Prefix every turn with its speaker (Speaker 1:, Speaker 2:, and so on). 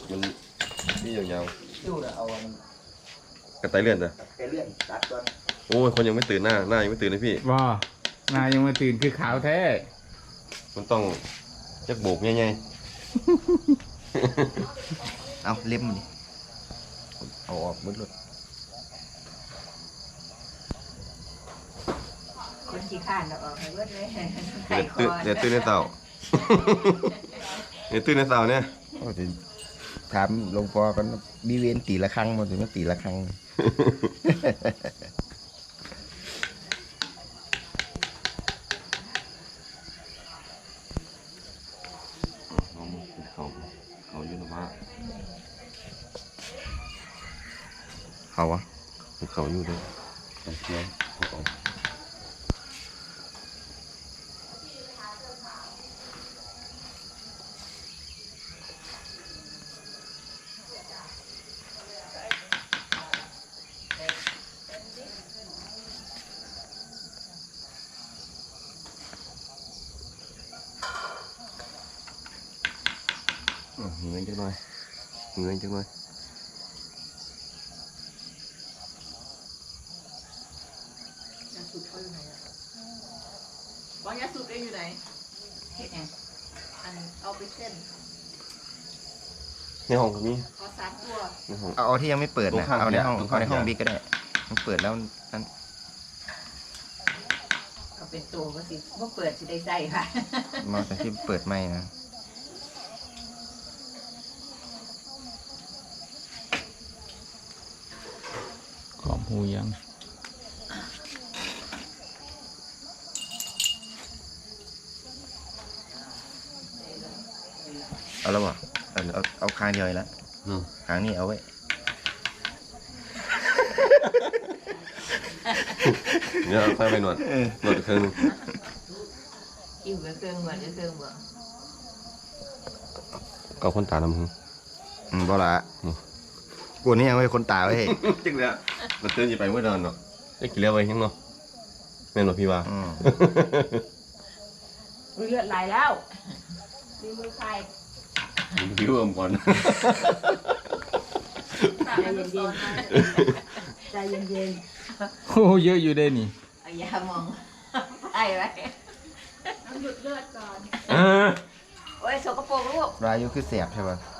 Speaker 1: มันนี่ยาว
Speaker 2: คิ้วน่ะเอา
Speaker 1: ๆกระต่ายเลื่อนจ้ะ
Speaker 2: ไปเลื่อนตัดก่อน
Speaker 1: โอ้ยคนยังไม่ตื่นหน้ายังไม่ตื่นเลยพี่
Speaker 3: ว่านายังมาตื่นคือขาวแท้
Speaker 1: มันต้องจักโบกง่าย
Speaker 2: เอาเล็มดิเอาออกหมดเลย
Speaker 4: คนขี้ข้านเราออกให้เบิดเลย
Speaker 1: ๆเดี๋ยวตื่นในเต่า เดี๋ยวตื่นในเต่าเนี่ย
Speaker 2: ก็จะถามหลวงพ่อกันมีเวนตีละครั้งมาถึงมาตีละครั้ง
Speaker 1: เขาอยู่นะว่า
Speaker 2: เขาวะ
Speaker 1: เขาอยู่ด้วยเนาะเขาเงินจังหน่อยเงินจังหน่อย
Speaker 4: ยาสูบเขาอยู่ไหนอ่ะบอกยาสูบเองอยู่ไหนเห็ดแอนอันเอาไปเส้น
Speaker 1: ในห้องก็มี
Speaker 4: ขอ3 ตัว
Speaker 1: ในห้อง
Speaker 2: เอาที่ยังไม่เปิดนะ
Speaker 1: ตรงข้าง
Speaker 2: เอาในห้อง
Speaker 1: ตรง
Speaker 2: เอา
Speaker 1: ข้าง
Speaker 2: ในห้อง
Speaker 1: ยา
Speaker 2: บิ๊กก็ได้มันเปิดแล้วนั่น
Speaker 4: เอาเป็นตัวก็สิบ่เปิดสิได้ใส่ค่ะ
Speaker 2: มาแต่ที่เปิดไม่นะ
Speaker 3: ขอบหูยัง
Speaker 2: เอาแล้วบ่เอาคางเดียวเลยละ
Speaker 1: เนาะ
Speaker 2: คางนี้เอาไว้
Speaker 1: เดี๋ยวเอาไฟไปหนวดอีกครั้งหนึง
Speaker 4: อิ่วกับเครื่องเหมือนกับเครื่องบ่
Speaker 1: เอาคนตาดำหึ
Speaker 2: บ่ละ
Speaker 1: อืม
Speaker 2: กูนี่ยังไว้คนตาไว้ให้
Speaker 1: จริงเลยมันเตือนอยู่ไปเมื่อเดินเนาะได้กี่เลี้ยวไปยังเนาะแม่นบ่พี่ว่า
Speaker 4: อุ้ยเลือดไหลแล้วมีมือใคร
Speaker 1: พี่เอิ่มก่อน
Speaker 4: ใจเย็นๆใจเย็น
Speaker 3: โอ้เยอะอยู่เด้นี่
Speaker 4: ๆเอายามองไปไว้หยุดเลือดก่อน
Speaker 1: อ่า
Speaker 4: โอ้ยสกปรกลูก
Speaker 2: รายอยู่คือเสียบใช่ป่ะ